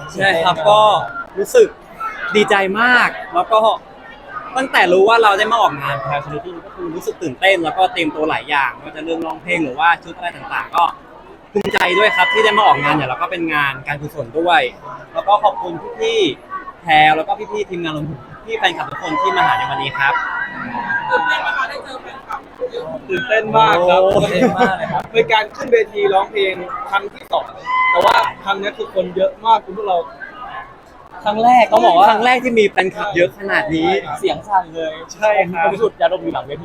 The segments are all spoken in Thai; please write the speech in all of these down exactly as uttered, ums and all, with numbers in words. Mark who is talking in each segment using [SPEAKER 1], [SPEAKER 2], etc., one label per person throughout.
[SPEAKER 1] ใช่ครับก็รู้สึกดีใจมากแล้วก็ตั้งแต่รู้ว่าเราได้มาออกงานแพลชนิตี้ก็คือรู้สึกตื่นเต้นแล้วก็เตรียมตัวหลายอย่างไม่ว่าจะเรื่องร้องเพลงหรือว่าชุดอะไรต่างๆก็ภูมิใจด้วยครับที่ได้มาออกงานเนี่ยแล้วก็เป็นงานการกุศลด้วย แล้วก็ขอบคุณพี่ๆแพรแล้วก็พี่ๆทีมงานรวมถึงพี่แฟนคลับทุกคนที่มาหาในวันนี้ครับ
[SPEAKER 2] ตื่นเต้นไหมคะได้เจอแฟนคลับเยอะ
[SPEAKER 3] ตื่นเต้นมากครับ
[SPEAKER 1] ตื่นเต้นมากเลยครับ
[SPEAKER 3] เป็นการขึ้นเวทีร้องเพลงครั้งที่สองแต่ว่าครั้งนี้คือคนเยอะมากคุณพวกเรา
[SPEAKER 1] ครั้งแรกต้องบอกว่าครั้งแรกที่มีแฟนคลับเยอะขนาดนี้
[SPEAKER 4] เสียงสั่นเลย
[SPEAKER 3] ใช่ครับ
[SPEAKER 4] ผมสุดยาดมอยู่หลังเวที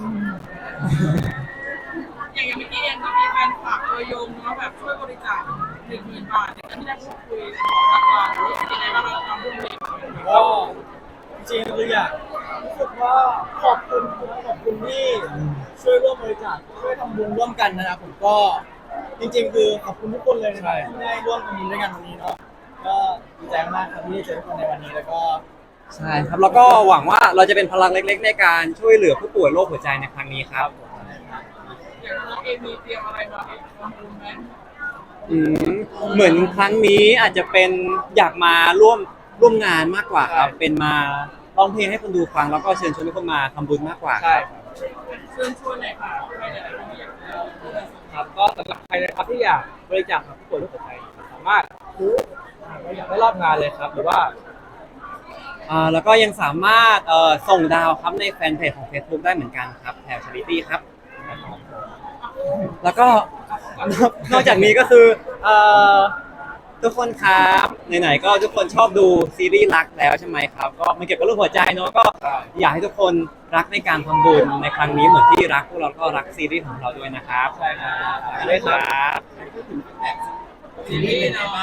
[SPEAKER 2] อย่างอย่างเมื่อกี้เองก็มีแฟนคลับตัวยงเนาะแบบช่วยบริจาคหนึ่งหมื่นบาทในการที่ได้พูดคุยกับทางการรู้สึกยังไงบ้างเราทำเรื่องนี้
[SPEAKER 3] ก็จริงๆคืออยากรู้สึกว่าขอบคุณขอบคุณที่ช่วยร่วมบริจาคช่วยทำบุญร่วมกันนะครับผมก็จริงๆคือขอบคุณทุกคนเลยนะครับที่ได้ร่วมทำบุญด้วยกันวันนี้เนาะก็ดีใจมากครับที่ได้เจอทุกคนในวันนี้แล้วก็
[SPEAKER 1] ใช่ครับแล้วก็หวังว่าเราจะเป็นพลังเล็กๆในการช่วยเหลือผู้ป่วยโรคหัวใจในครั้งนี้ครับ
[SPEAKER 2] อย่างเราเองมีเตรียมอะไรมาทำบุญไหม
[SPEAKER 1] อืมเหมือนครั้งนี้อาจจะเป็นอยากมาร่วมร่วมงานมากกว่าครับเป็นมาร้องเพลงให้คนดูฟังแล้วก็เชิญชวนทุกคนมาทำบุญมากกว่า
[SPEAKER 3] ใช่
[SPEAKER 2] เชิญชวนหน่อยค่ะใครหลายๆคนที่อยากจะ
[SPEAKER 3] ครับก็สำหรับใครนะครับที่อยากบริจาคกับผู้ป่วยโรคหัวใจสามารถซื้ออยากได้รอบงานเลยครับหรือว่า
[SPEAKER 1] อ่าแล้วก็ยังสามารถเอ่อส่งดาวครับในแฟนเพจของ Facebook ได้เหมือนกันครับแถวชาริตี้ครับแล้วก็นอกจากนี้ก็คือเอ่อทุกคนครับไหนๆก็ทุกคนชอบดูซีรีส์รักแล้วใช่ไหมครับก็มันเกี่ยวกับเรื่องหัวใจเนาะก็อยากให้ทุกคนรักในการทำบุญในครั้งนี้เหมือนที่รักพวกเราก็รักซีรีส์ของเราด้วยนะครับ
[SPEAKER 3] ใช่ครับ
[SPEAKER 1] ด้วยครับ
[SPEAKER 2] ซีรีส์เนาะ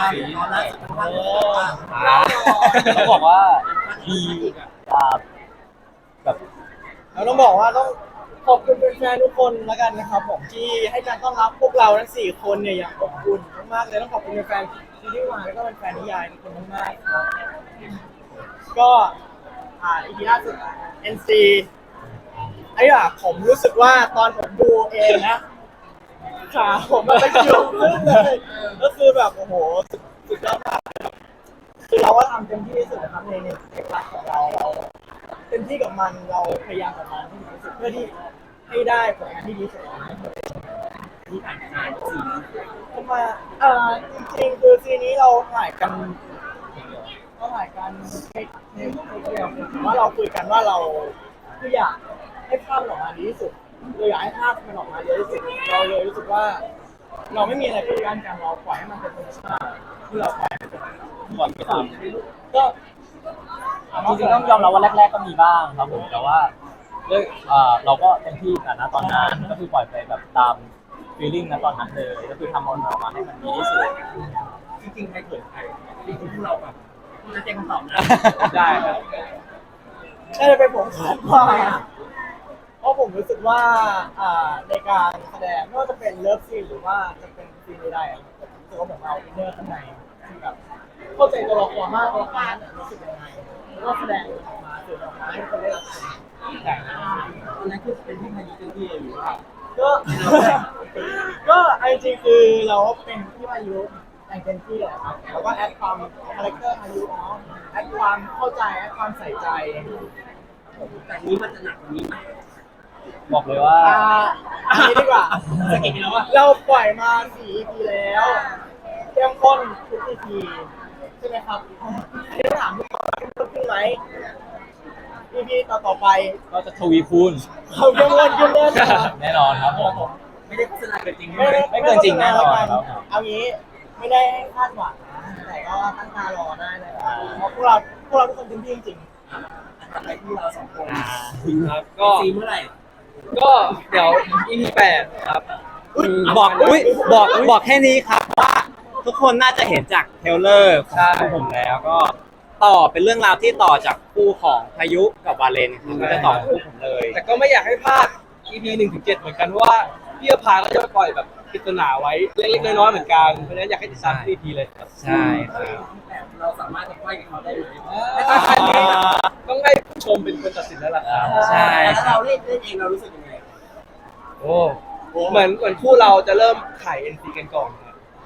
[SPEAKER 4] ต้องบอกว่าดีอ่าแบบ
[SPEAKER 3] เราต้องบอกว่าต้องขอบคุณแฟนๆทุกคนแล้วกันนะครับผมที่ให้การต้อนรับพวกเราทั้งสี่คนเนี่ยอย่างอบอุ่นมากๆเลยต้องขอบคุณแฟนๆซีรีส์วายแล้วก็แฟนๆนิยายทุกคนมากๆครับก็อ่าอีพีล่าสุด เอ็น ซี ไอ้อะผมรู้สึกว่าตอนผมดูเองนะขาผมมันเป็นจุดขึ้นเลยก็คือแบบโอ้โหสุดยอดมากคือเราก็ทำเต็มที่ที่สุดนะครับในในในคลาสของเราเราเต็มที่กับมันเราพยายามกับมันที่สุดเพื่อที่ให้ได้ผลงานที่ดีที่สุดที่ผ่านมาซีผมมาเอ่อจริงๆคือซีนี้เราถ่ายกันเราถ่ายกันในในในเดียวว่าเราคุยกันว่าเราคืออยากให้ภาพมันออกมาดีที่สุดเราอยากให้ภาพมันออกมาเยอะที่สุดเราเลยรู้สึกว่า เราไม่มีอะไรปิดกั้นกันเราปล่อยให้มันเป็นธรรมชาติที่เราปล่อยให้มันเป็นก่อนไปตามก็
[SPEAKER 4] จริงๆต้องยอมรับว่าแรกๆก็มีบ้างครับผมแต่ว่าด้วยเอ่อเราก็เต็มที่แต่ณตอนนั้นก็คือปล่อยไปแบบตามฟีลลิ่งณตอนนั้นเลยก็คือทำมันออกมาให้มันดีที่สุด
[SPEAKER 3] จริงๆใครเกิดใครจริงๆพวกเราแบบจะแจ้งคำตอบนะได้ครับน่าจะเป็นผมครับว่าเพราะผมรู้สึกว่าในการแสดงไม่ว่าจะเป็นเลิฟซีนหรือว่าจะเป็นซีนใดๆผมรู้สึกว่าผมเอาอินเนอร์ข้างในที่แบบเข้าใจตัวละครมากตัวละครนั้นรู้สึกยังไงแล้วก็แสดงออกมาสื่อออกมาให้คนได้รับชมแต่นั่นคือเป็นที่มายุเต็มที่หรือว่าก็ก็ไอจริงคือเราเป็นที่มายุแต่งเต็มที่แหละครับแล้วก็แอดความคาแรคเตอร์มายุเนาะแอดความเข้าใจแอดความใส่ใจแต่นี้มันจะหนักกว่านี้ไหม
[SPEAKER 4] บอกเลยว่า
[SPEAKER 3] อันนี้ดีกว่าสกิลแล้วว่าเราปล่อยมาสี่ อี พี แล้วเข้มข้นทุก อี พี ใช่ไหมครับอันนี้ถามทุกคนเข้มข้นขึ้นไหม อี พี ต่อต่อไป
[SPEAKER 4] ก็จะทวีคูณ
[SPEAKER 3] เขาเข้มข้นขึ้นแน่นอน
[SPEAKER 4] แน่นอนครับผม
[SPEAKER 3] ไม่ได้โฆษณาเกินจริง
[SPEAKER 4] ไม่ไม่เกินจริงแน่นอนครับ
[SPEAKER 3] เอางี้ไม่ได้ให้คาดหวังนะแต่ก็ตั้งตารอได้เลยเพราะพวกเราพวกเราทุกคนเต็มที่จริงอะไรที่เราสองคน
[SPEAKER 4] ครับก็
[SPEAKER 3] ซีเมื่อไหร่
[SPEAKER 4] ก็เดี๋ยว อี พี แปดครับ
[SPEAKER 1] บอกอุ้ยบอกบอกแค่นี้ครับว่าทุกคนน่าจะเห็นจากเทรลเลอร์ของผมแล้วก็ต่อเป็นเรื่องราวที่ต่อจากคู่ของพายุกับวาเลนครับไม่ได้ต่อคู่ผมเลย
[SPEAKER 3] แต่ก็ไม่อยากให้พลาด อี พี หนึ่งถึงเจ็ดเหมือนกันเพราะว่าพี่อภาก็จะปล่อยแบบปริศนาไว้เล็กๆน้อยๆเหมือนกันเพราะฉะนั้นอยากให้ติดตาม อี พี เลยครับ
[SPEAKER 1] ใช่ครับ
[SPEAKER 3] เราสามารถจะค่อยกับเขาได้เลยต้องให้ผู้ชมเป็นคนตัดสินแล้วล่ะครับ
[SPEAKER 1] ใช่
[SPEAKER 3] แล้วเราเล่นเล่นเองเรารู้สึกยังไงโอ้เหมือนเหมือนคู่เราจะเริ่มถ่าย เอ็น ซี กันก่อนครับ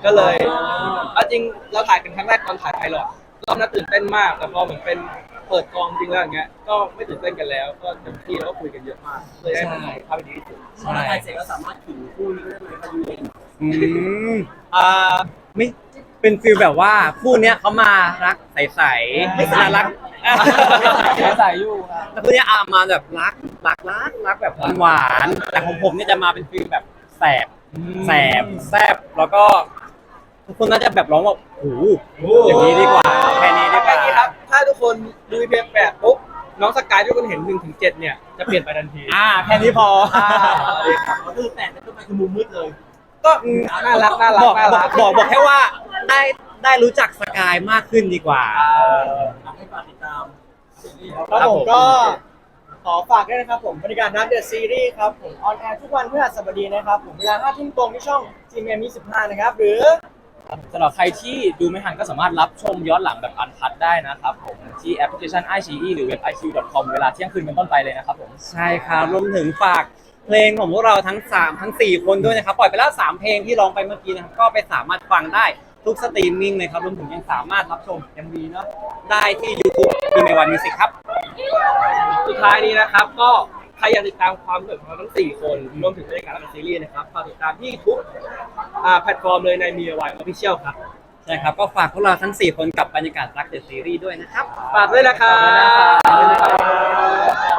[SPEAKER 5] ก็เลยเอาจริงเราถ่ายกันครั้งแรกตอนถ่ายไพลอตรอบนั้นตื่นเต้นมากแต่พอเหมือนเป็นเปิดกองจริงแล้วอย่างเงี้ยก็ไม่ตื่นเต้นกันแล้วก็เต็มที่แล้วก็คุยกันเยอะมากเลยได้มันภาพที่ดีที่สุด
[SPEAKER 6] พอเราถ่ายเสร็จก็สามารถถึงคู่นี้ได้เลยพอดีเอง
[SPEAKER 1] อืมอ่าไม่เป็นฟิลแบบว่าคู่เนี้ยเขามารักใสๆไม่น่ารัก
[SPEAKER 4] ใส่อยู่นะ
[SPEAKER 1] แล้วคู่เนี้ยอามาแบบรักรักรักรักแบบหวานๆแต่ของผมเนี่ยจะมาเป็นฟิลแบบแสบแสบแซบแล้วก็ทุกคนน่าจะแบบร้องว่าโอ้โหอย่างนี้ดีกว่าแค่นี้ดีก
[SPEAKER 5] แค่
[SPEAKER 1] ว่า
[SPEAKER 5] นี้ครับถ้าทุกคนดู อี พี แปดปุ๊บน้องสกายที่ทุกคนเห็นหนึ่งถึงเจ็ดเนี่ยจะเปลี่ยนไปทันที
[SPEAKER 1] อ่าแค่นี้พอ
[SPEAKER 6] ก็คือแปดเป็นต้นไปคือมุมมืดเลย
[SPEAKER 5] ก็น่ารักน่ารัก
[SPEAKER 1] บอก
[SPEAKER 5] น่า
[SPEAKER 1] บอ
[SPEAKER 5] รั
[SPEAKER 1] ก
[SPEAKER 5] ก
[SPEAKER 1] บอกบอกแค่ว่าได้ได้รู้จักสกายมากขึ้นดีกว่า
[SPEAKER 6] ให้ฝากติดตาม
[SPEAKER 3] ครับผมก็ขอฝากด้วยนะครับผมบริการนัดเดอะซีรีส์ครับผมออนแอร์ทุกวันพฤหัสบดีนะครับผมเวลาห้าทุ่มตรงที่ช่อง จี เอ็ม ยี่สิบห้านะครับหรือ
[SPEAKER 4] สำหรับใครที่ดูไม่ทันก็สามารถรับชมย้อนหลังแบบอันคัดได้นะครับผมที่แอปพลิเคชัน ไอ ซี อี หรือเว็บ ไอ คิว ดอท คอม เวลาเที่ยงคืนเป็นต้นไปเลยนะครับผม
[SPEAKER 1] ใช่ครับรวมถึงฝากเพลงของพวกเราทั้งสามทั้งสี่คนด้วยนะครับ ปล่อยไปแล้วสามเพลงที่ร้องไปเมื่อกี้นะครับ ก็ไปสามารถฟังได้ทุกสตรีมมิ่งเลยครับ รวมถึงยังสามารถรับชม เอ็ม วี เนาะได้ที่ YouTube ดีเมวันมิวสิกครับ
[SPEAKER 5] สุดท้ายนี้นะครับก็ใครอยากติดตามความเกิดของเราทั้งสี่คนรวมถึงบรรยากาศและซีรีส์นะครับฝากติดตามที่ทุกอ่าแพลตฟอร์มเลยในมีวายออฟฟิเชียลครับ
[SPEAKER 1] ใช่ครับ ก็ฝากพวกเราทั้งสี่คนกับบรรยากาศรักเดอะซีรีส์ด้วยนะครับ
[SPEAKER 5] ฝากด้วยนะครับ